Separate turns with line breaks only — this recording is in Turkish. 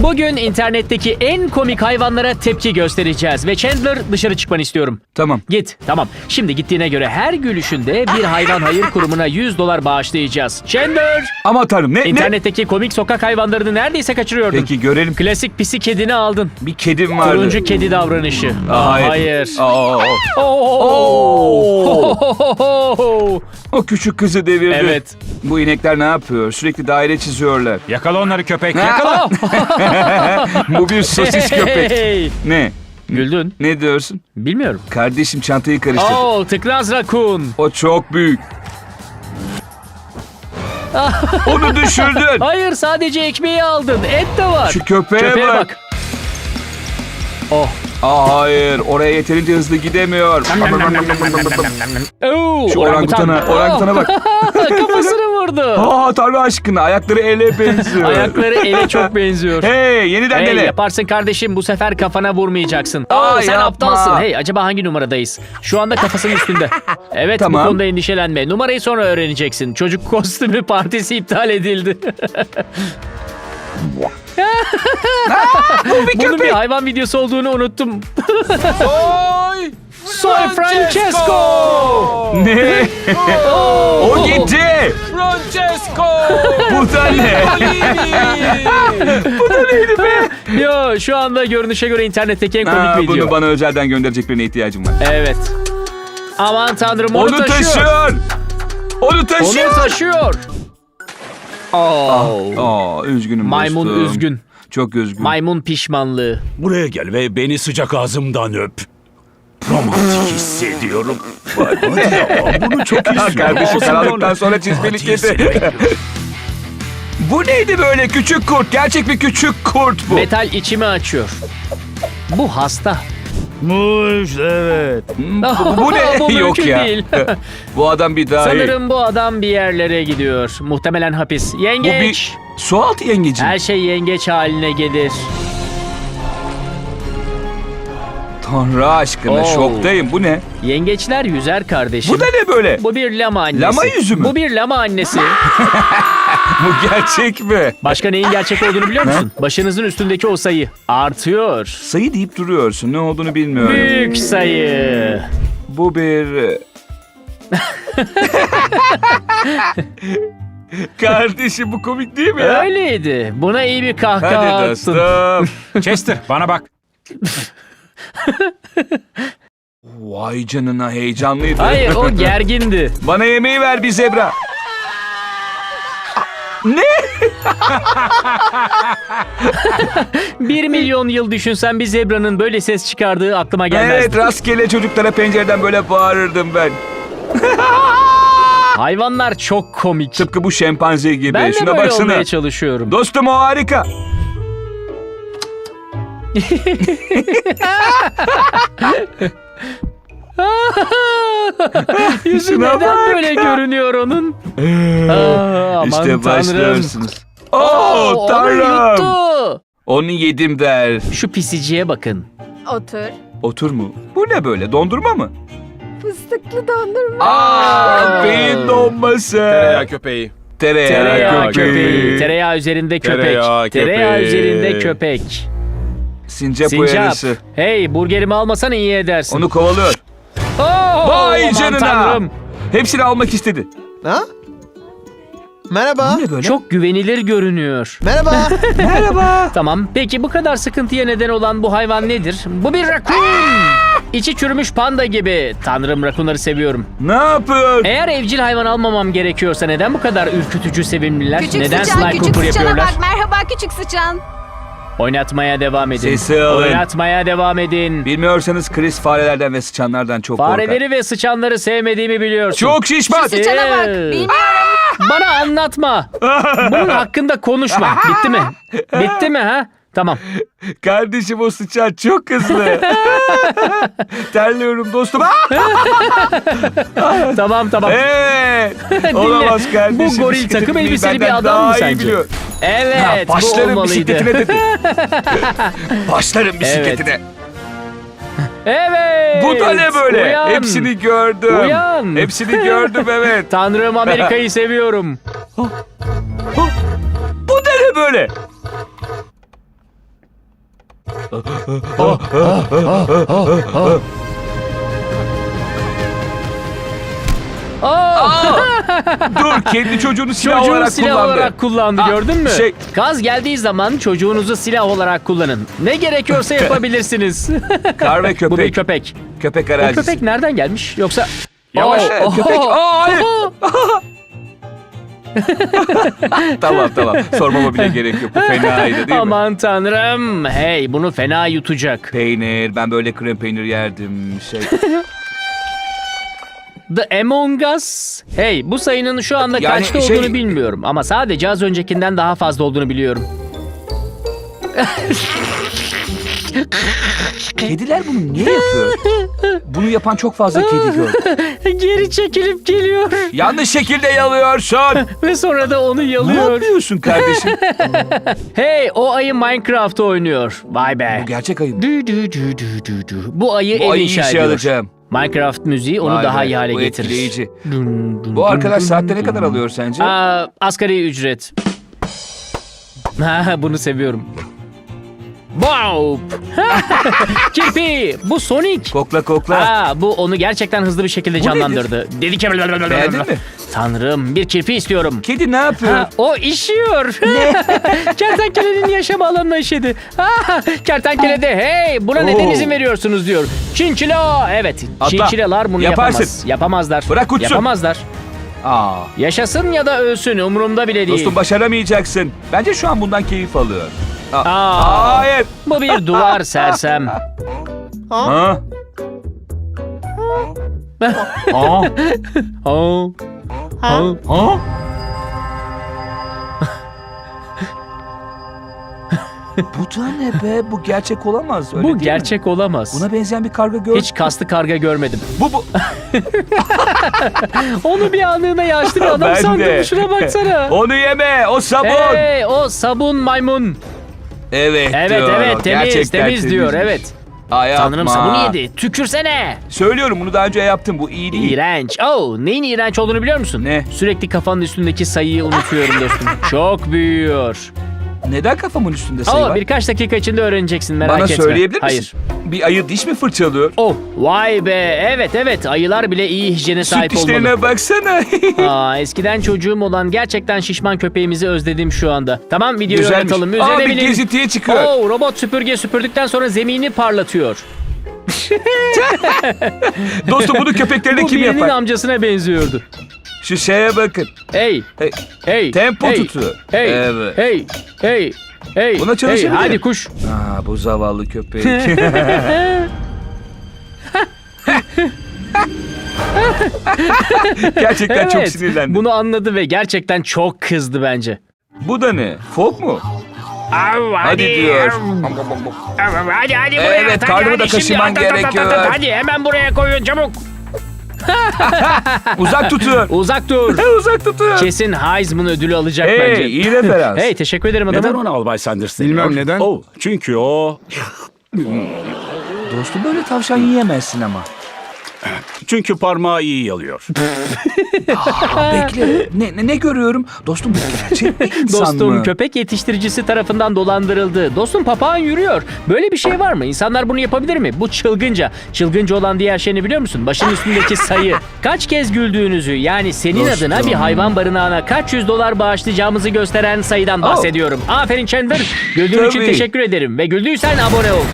Bugün internetteki en komik hayvanlara tepki göstereceğiz ve Chandler dışarı çıkmanı istiyorum.
Tamam.
Git, tamam. Şimdi gittiğine göre her gülüşünde bir hayvan hayır kurumuna $100 bağışlayacağız. Chandler!
Ama tanrım ne?
İnternetteki komik sokak hayvanlarını neredeyse kaçırıyordun.
Peki görelim.
Klasik pisi kedini aldın.
Bir kedim vardı.
Turuncu kedi davranışı. Hayır.
O küçük kızı devirdi.
Evet.
Bu inekler ne yapıyor? Sürekli daire çiziyorlar.
Yakala onları köpek, yakala.
Bu bir sosis köpek.
Hey!
Ne?
Güldün.
Ne diyorsun?
Bilmiyorum.
Kardeşim çantayı karıştırdı.
Tıknaz rakun.
O çok büyük. Onu düşürdün.
Hayır, sadece ekmeği aldın. Et de var.
Şu köpeğe
Köpeğe
bak.
bak. Oh.
Hayır, oraya yeterince hızlı gidemiyor.
Oo,
Şu orangutana bak.
Kafasını vurdu.
Tanrı aşkına, ayakları ele benziyor.
Ayakları ele çok benziyor.
Hey, yeniden
Hey,
dene.
yaparsın kardeşim, bu sefer kafana vurmayacaksın.
Aa,
Sen
yapma.
aptalsın. Hey, acaba hangi numaradayız? Şu anda kafasının üstünde. Evet,
Tamam.
bu konuda endişelenme. Numarayı sonra öğreneceksin. Çocuk kostümü partisi iptal edildi. Bunun bir hayvan videosu olduğunu unuttum. Soy Francesco!
Ne? O gitti.
Francesco!
Bu da ne? Bu da neydi be?
Yo, şu anda görünüşe göre internetteki en komik video.
Bunu bana özelden gönderecek birine ihtiyacım var.
Evet. Aman tanrım, onu
Onu
taşıyor.
taşıyor. Onu taşıyor.
Onu taşıyor.
Üzgünüm
Maymun
dostum.
üzgün.
Çok üzgün.
Maymun pişmanlığı.
Buraya gel ve beni sıcak ağzımdan öp. Romantik hissediyorum. Hadi ya, bunu çok istiyorum.
Kardeşim
Ağzımdan
karanlıktan
öp.
sonra çizmeli
Hadi
kedi.
hissediyorum.
Bu neydi böyle küçük kurt? Gerçek bir küçük kurt bu.
Metal içimi açıyor. Bu hasta.
Evet.
Bu ne?
Bu
Yok
mümkün
ya.
değil.
Bu adam bir dahi.
Sanırım bu adam bir yerlere gidiyor. Muhtemelen hapis.
Bu
Yengeç.
bir sualtı yengeci.
Her şey yengeç haline gelir.
Tanrı aşkına şoktayım. Bu ne?
Yengeçler yüzer kardeşim.
Bu da ne böyle?
Bu bir lama annesi.
Lama yüzü mü?
Bu bir lama annesi.
Bu gerçek mi?
Başka neyin gerçek olduğunu biliyor musun? Başınızın üstündeki o sayı artıyor.
Sayı deyip duruyorsun. Ne olduğunu bilmiyorum.
Büyük sayı.
Bu bir... Kardeşim bu komik değil mi ya?
Öyleydi. Buna iyi bir kahkaha
Hadi
attın.
dostum.
Chester bana bak.
Vay canına heyecanlıydı.
Hayır, o gergindi.
Bana yemeği ver bir zebra. Ne?
1 milyon yıl düşünsen bir zebranın böyle ses çıkardığı aklıma gelmezdi.
Evet, rastgele çocuklara pencereden böyle bağırırdım ben.
Hayvanlar çok komik.
Tıpkı bu şempanze gibi.
Ben de
Şuna
böyle
baksana.
olmaya çalışıyorum.
Dostum o harika.
Yüzü
Şuna
neden
bak.
böyle görünüyor onun? Aman
İşte
tanrım.
başlıyorsunuz.
Onu
Tanrım.
yuttu.
Onu yedim der.
Şu pisiciye bakın.
Otur.
Otur mu? Bu ne böyle? Dondurma mı?
Fıstıklı dondurma.
Beyin donması.
Tereyağı köpeği.
Tereyağı
köpeği.
köpeği. Tereyağı üzerinde köpek.
Tereyağı
Tereyağı
köpeği.
üzerinde köpek.
Sincap
Sincap.
uyarısı.
Hey, burgerimi almasan iyi edersin.
Onu kovalıyor.
Vay
Vay canına.
Tanrım.
Hepsini almak istedi.
Ha? Merhaba.
Bu ne böyle?
Çok güvenilir görünüyor.
Merhaba.
Merhaba.
Tamam. Peki bu kadar sıkıntıya neden olan bu hayvan nedir? Bu bir rakun. İçi çürümüş panda gibi. Tanrım, rakunları seviyorum.
Ne yapıyor?
Eğer evcil hayvan almamam gerekiyorsa neden bu kadar ürkütücü sevimliler?
Küçük
neden
sıçan,
Sly
küçük
Cooper
sıçana
yapıyorlar?
bak. Merhaba küçük sıçan.
Oynatmaya devam edin.
Sesi alın.
Oynatmaya devam edin.
Bilmiyorsanız Chris farelerden ve sıçanlardan çok korkar.
Fareleri ve sıçanları sevmediğimi biliyorsun.
Çok şişman.
Sıçana bak.
Ee.
Bilmiyorum.
Bana anlatma. Bunun hakkında konuşma. Bitti mi? Bitti mi ha? Tamam.
Kardeşim o sıçan çok hızlı. Terliyorum dostum.
Tamam.
Evet.
Dinle.
Olamaz kardeşim.
Bu goril
Bisiklet
takım
binmeyi
elbiseli bir
benden
adam mı
daha iyi
sence?
biliyor.
Evet, bu
Başlarım
olmalıydı.
bisikletine dedi. Başlarım bisikletine.
Evet.
Bu da ne böyle?
Uyan.
Hepsini gördüm.
Uyan.
Hepsini gördüm evet.
Tanrım, Amerika'yı seviyorum.
Bu da ne böyle? Dur, kendi çocuğunu silah
Çocuğunu
olarak
silah
kullandı.
olarak kullandı, gördün mü? Gaz geldiği zaman çocuğunuzu silah olarak kullanın. Ne gerekiyorsa yapabilirsiniz.
Kar ve köpek.
Bu bir köpek.
Köpek
O
arazisi.
köpek nereden gelmiş? Yoksa...
Yavaş, köpek. Hayır. Tamam. Sormama bile gerek yok. Bu fenaydı değil mi?
Aman tanrım. Hey, bunu fena yutacak.
Peynir. Ben böyle krem peynir yerdim.
The Among Us. Hey, bu sayının şu anda
Yani
kaçta olduğunu bilmiyorum. Ama sadece az öncekinden daha fazla olduğunu biliyorum.
Kediler bunu niye yapıyor? Bunu yapan çok fazla kedi gördüm.
Geri çekilip geliyor.
Yanlış şekilde yalıyorsun.
Ve sonra da onu
Ne
yalıyor.
yapıyorsun kardeşim?
Hey, o ayı Minecraft oynuyor. Vay be.
Bu gerçek ayı.
Bu ayı
Bu
ev
ayı
inşa
işe
ediyor.
alacağım.
Minecraft müziği onu
Vay
daha
be,
iyi hale
bu
getirir.
etkileyici. Bu arkadaş saatte ne kadar alıyor sence?
Asgari ücret. Ha, bunu seviyorum. Wow! Kirpi! Bu Sonic.
Kokla.
Bu onu gerçekten hızlı bir şekilde canlandırdı. Dedi ki...
Beğendin mi?
Tanrım, bir kirpi istiyorum.
Kedi ne yapıyor?
O işiyor. Kertenkelenin yaşam alanına işedi. Kertenkele de hey buna neden izin veriyorsunuz diyor. Çinçila. Evet,
Atla.
çinçilalar bunu
Yaparsın.
yapamaz. Yapamazlar.
Bırak uçsun.
Yapamazlar.
Aa.
Yaşasın ya da ölsün umurumda bile değil.
Dostum başaramayacaksın. Bence şu an bundan keyif alıyor. Hayır.
Bu bir duvar sersem.
Ha?
Oh.
Ha? Bu da ne be? Bu gerçek olamaz. Öyle
Bu
değil mi?
gerçek olamaz.
Buna benzeyen bir karga gördüm.
Hiç kaslı karga görmedim.
Bu.
Onu bir anlığına yaşlı bir adam
Ben
sandım.
de.
Şuna baksana.
Onu yeme. O sabun.
Hey, o sabun maymun.
Evet
Evet
diyor.
temiz
Gerçekten
temiz diyor
temizmiş.
evet.
Ay, yapma.
Tanrım sabunu yedi. Tükürsene.
Söylüyorum bunu daha önce yaptım. Bu iyi değil.
İğrenç. Neyin iğrenç olduğunu biliyor musun?
Ne?
Sürekli kafanın üstündeki sayıyı unutuyorum dostum. Çok büyüyor.
Neden kafamın üstünde sayı var?
Birkaç dakika içinde öğreneceksin, merak
Bana
etme.
söyleyebilir misin?
Hayır.
Bir ayı diş mi fırçalıyor?
Vay be. Evet. Ayılar bile iyi hijyene
Süt
sahip olmalı.
dişlerine baksana.
Eskiden çocuğum olan gerçekten şişman köpeğimizi özledim şu anda. Tamam, videoyu
Güzelmiş.
oynatalım.
Bir
Üzerine binin.
gezintiye çıkıyor.
Robot süpürge süpürdükten sonra zemini parlatıyor.
Dostum bunu köpeklerine
Bu
kim
birinin
yapar?
amcasına benziyordu.
Şu şeye bakın.
Hey.
Hey.
Hey.
Tempo
hey,
tutuyor.
Hey.
Evet.
Hey.
Buna çalışabilirim.
Hadi kuş.
Bu zavallı köpek. Gerçekten çok sinirlendim.
Bunu anladı ve gerçekten çok kızdı bence.
Bu da ne? Fok mu?
Hadi
diyor.
Hadi
Evet, karnımı da kaşıman gerekiyor.
Hadi hemen buraya koyun çabuk.
Uzak tutuyor.
Uzak dur.
Uzak tutuyor.
Kesin Heisman ödülü alacak bence.
Hey, iyi referans.
Hey, teşekkür ederim
Neden
adamım.
ona Albay Sanders
Bilmem
deniyor?
neden.
Çünkü o...
Dostum böyle tavşan yiyemezsin ama.
Çünkü parmağı iyi yalıyor.
Bekle. Ne görüyorum? Dostum bu gerçek bir insan
Dostum
mı?
köpek yetiştiricisi tarafından dolandırıldı. Dostum papağan yürüyor. Böyle bir şey var mı? İnsanlar bunu yapabilir mi? Bu çılgınca. Çılgınca olan diğer şey ne biliyor musun? Başın üstündeki sayı. Kaç kez güldüğünüzü, yani senin
Dostum.
adına bir hayvan barınağına kaç yüz dolar bağışlayacağımızı gösteren sayıdan bahsediyorum. Aferin Chandler. Güldüğün için
Tabii.
teşekkür ederim. Ve güldüysen abone ol.